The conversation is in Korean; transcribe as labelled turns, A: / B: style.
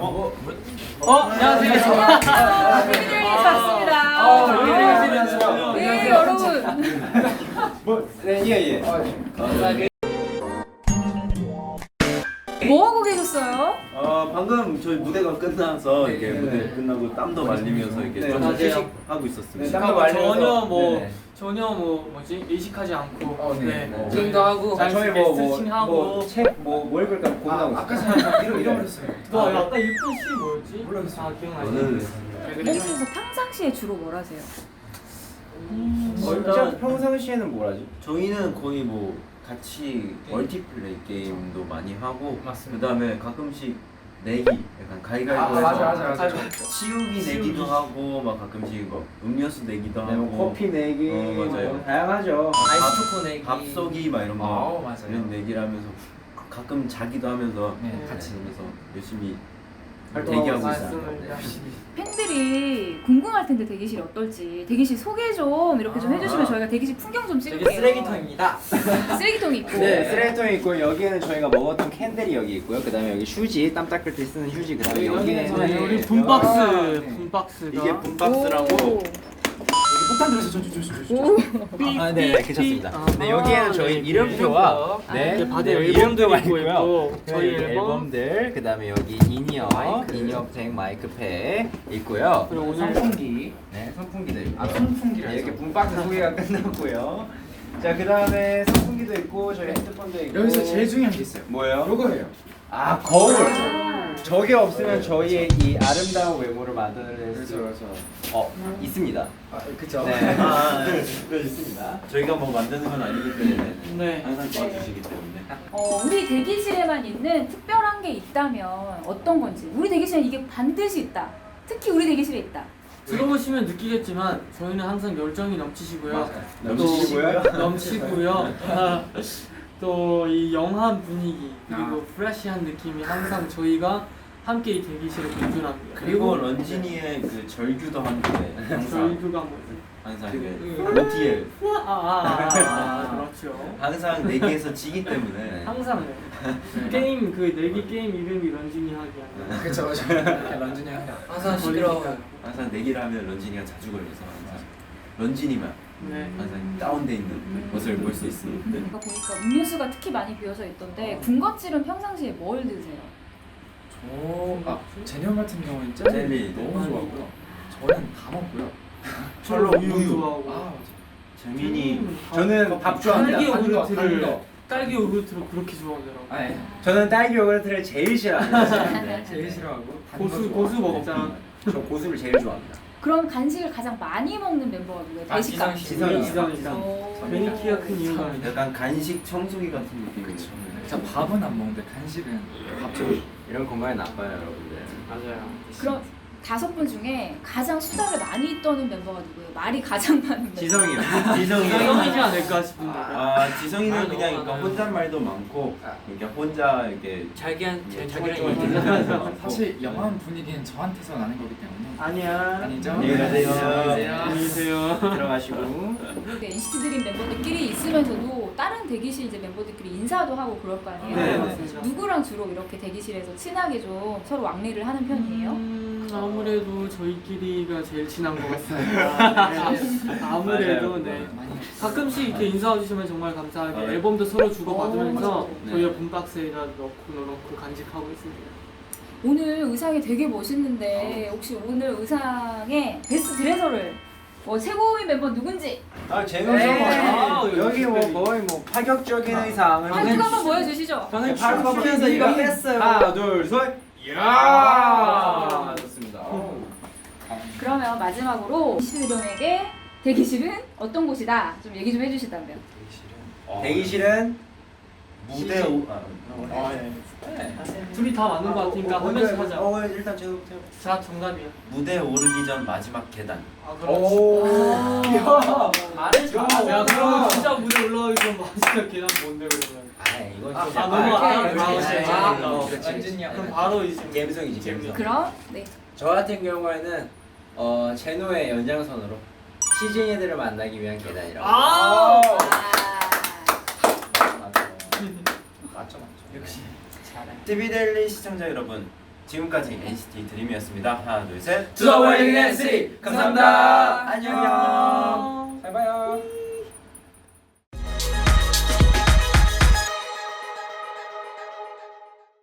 A: 안녕하세요.
B: 대기실에 왔습니다. 네, 여러분.
C: 예.
B: 뭐 하고 계셨어요?
A: 방금 저희 무대가 끝나서 이렇게 무대 끝나고 땀도 말리면서 이렇게 좀 휴식하고 있었습니다.
D: 전혀 뭐지 의식하지 않고
A: 지금도
D: 하고
C: 저희
D: 스트레칭하고
C: 뭐 읽을까 고민하고
E: 아까 전에 잃어버렸어요.
D: 아까 일본 시 뭐였지?
E: 몰라요.
D: 아 기억나요?
A: 저는
B: 몽키에서 평상시에 주로 뭘 하세요?
C: 진짜 평상시에는 뭘 하지?
A: 저희는 거의 뭐 같이 멀티플레이 게임도 많이 하고 그다음에 가끔씩 내기 약간 가위가위보해서
E: 맞아.
A: 치우기 내기도 하고 막 가끔씩 뭐 음료수 내기도 하고
C: 뭐 커피 내기
A: 맞아요.
C: 다양하죠.
D: 아이스 초코 내기
A: 밥 쏘기 막 이런 거
E: 맞아요.
A: 이런 내기를 하면서 가끔 자기도 하면서
E: 네.
A: 같이 하면서 열심히
C: 활동하고
A: 대기하고
C: 있어요.
A: 있어요.
B: 팬들이 궁금할 텐데 대기실이 어떨지 대기실 소개 좀 이렇게 좀 해주시면 저희가 대기실 풍경 좀 찍을게요.
D: 되게 쓰레기통입니다.
B: 쓰레기통이 있고.
C: 네, 쓰레기통이 있고 여기에는 저희가 먹었던 캔들이 여기 있고요. 그다음에 여기 휴지, 땀 닦을 때 쓰는 휴지. 그다음에 여기는
D: 우리 분박스가
A: 이게 분박스라고
E: 폭탄 들어서 저.
B: 오.
C: 네, 괜찮습니다. 네, 여기에는 저희 이름표와
D: 이렇게 바디에
C: 이름표가
D: 앨범도
C: 있고요.
D: 있고 저희
C: 네,
D: 앨범
C: 앨범들, 그다음에 여기 인이어, 인이어팩, 마이크팩 있고요.
D: 그리고 오늘
E: 선풍기.
C: 네, 선풍기도 있고.
E: 선풍기를
C: 네, 이렇게 분박스 소개가 끝났고요. 자, 그다음에 선풍기도 있고 저희 핸드폰도 있고.
E: 여기서 제일 중요한 게 있어요.
C: 뭐예요?
E: 요거예요.
C: 아, 거울.
B: 아.
C: 저게 없으면 저희의 이 아름다운 외모를 만들어낼 수 있습니다.
E: 그쵸.
C: 네.
A: 네, 있습니다. 저희가 뭐 만드는 건 아니기 때문에
D: 네.
A: 항상 도와주시기 때문에
B: 우리 대기실에만 있는 특별한 게 있다면 어떤 건지. 우리 대기실에 이게 반드시 있다. 특히 우리 대기실에 있다.
D: 들어보시면 느끼겠지만 저희는 항상 열정이 넘치시고요.
C: 넘치시고요?
D: 넘치고요. 또 이 영한 분위기 그리고 프레시한 느낌이 항상 저희가 함께 이 대기실에 공존합니다.
A: 그리고 런쥔이의 그 절규도 함께 항상
D: 저희가 뭐지?
A: 항상 그 OTL
D: 그렇죠.
A: 항상 내기에서 지기 때문에
D: 항상 게임 그 내기 게임 이름이 런쥔이 하기 아니라
E: 그쵸. 런쥔이 형이랑.
D: 항상 시끄러워.
A: 항상 내기를 하면 런쥔이가 자주 걸려서 항상 런쥔이만
D: 네.
A: 항상 다운돼 있는 모습을 볼 수 있습니다.
B: 이거 보니까 음료수가 특히 많이 비어져 있던데 군것질은 평상시에 뭘 드세요?
E: 제니형 같은 경우는 젤리
A: 젤리
E: 너무
A: 많이
E: 좋아하고요. 저는 다 먹고요.
D: 철로 우유 좋아하고
E: 맞아.
A: 재민이
C: 저는 밥 좋아합니다.
D: 딸기
E: 단 거.
D: 요구르트를 딸기 요구르트를 그렇게 좋아하더라고.
E: 아니,
C: 저는 딸기 요구르트를 제일 싫어합니다.
D: 네.
E: 제일 싫어하고
D: 고수 먹자.
C: 저 고수를 제일 좋아합니다.
B: 그럼 간식을 가장 많이 먹는 멤버가 누구예요? 대식가.
D: 지성이다.
B: 오.
D: 괜히 키가 큰 이유가
A: 약간 간식 청소기 같은 느낌이죠.
E: 저 밥은 안 먹는데 간식은 밥좀
C: 이런 건강에 나빠요, 여러분들.
D: 맞아요.
B: 그럼 5분 중에 가장 수다를 많이 떠는 멤버가 누구예요? 말이 가장 많은 멤버.
C: 지성이요.
D: 지성이지 않을까 싶은데.
A: 지성이는 그냥 그러니까 혼잣말도 많고 이렇게 혼자 이렇게
D: 자기랑
E: 사실 영화음 분위기는 저한테서 나는 거기 때문에
D: 아니야.
E: 아니죠?
A: 안녕히 가세요.
D: 안녕히 계세요.
C: 들어가시고.
B: NCT 드림 멤버들끼리 있으면서도 다른 대기실 이제 멤버들끼리 인사도 하고 그럴 거 아니에요?
D: 네, 맞습니다.
B: 누구랑 주로 이렇게 대기실에서 친하게 좀 서로 왕래를 하는 편이에요?
D: 아무래도 저희끼리가 제일 친한 것 같습니다. 네. 아무래도
C: 맞아요.
D: 네. 가끔씩 이렇게 인사해 주시면 정말 감사하게
A: 네.
D: 앨범도 서로 주고받으면서
A: 네.
D: 저희가 분박스에다 넣고 간직하고 있습니다.
B: 오늘 의상이 되게 멋있는데 혹시 오늘 의상에 베스트 드레서를 최고의 멤버 누군지
C: 아, 재밌어.
B: 네.
C: 여기 뭐 거의 뭐 파격적인 의상을
B: 한번 한번 보여주시죠.
D: 저는
C: 바로
D: 춤추면서 이거 뺐어요.
C: 하나, 둘, 셋. 이야! 좋습니다.
B: 그러면 마지막으로 NCT 드림에게 대기실은 어떤 곳이다? 좀 얘기 좀 해주시다면.
C: 대기실은
A: 무대 오
D: 둘이 다 맞는 것 같으니까 한 명씩 하자.
A: 일단 제가부터
D: 자, 정답이야.
A: 무대 오르기 전 마지막 계단.
C: 오.
B: 아.
D: 말을 잘하네. 야, 그러면 진짜 무대 올라가기 전 마지막 계단 뭔데 그러면?
C: 이건
D: 너무
E: 런쥔이 형.
D: 그럼 바로 이제
C: 감성이지, 감성.
B: 그럼 네.
C: 저 같은 경우에는 제노의 연장선으로 시즈니들을 만나기 위한 계단이라고.
D: 아!
C: 맞죠.
E: 맞죠. 역시.
A: TV데일리 시청자 여러분, 지금까지 NCT 드림이었습니다. 하나 둘 셋.
C: To the world in NCT. 감사합니다.
A: 안녕.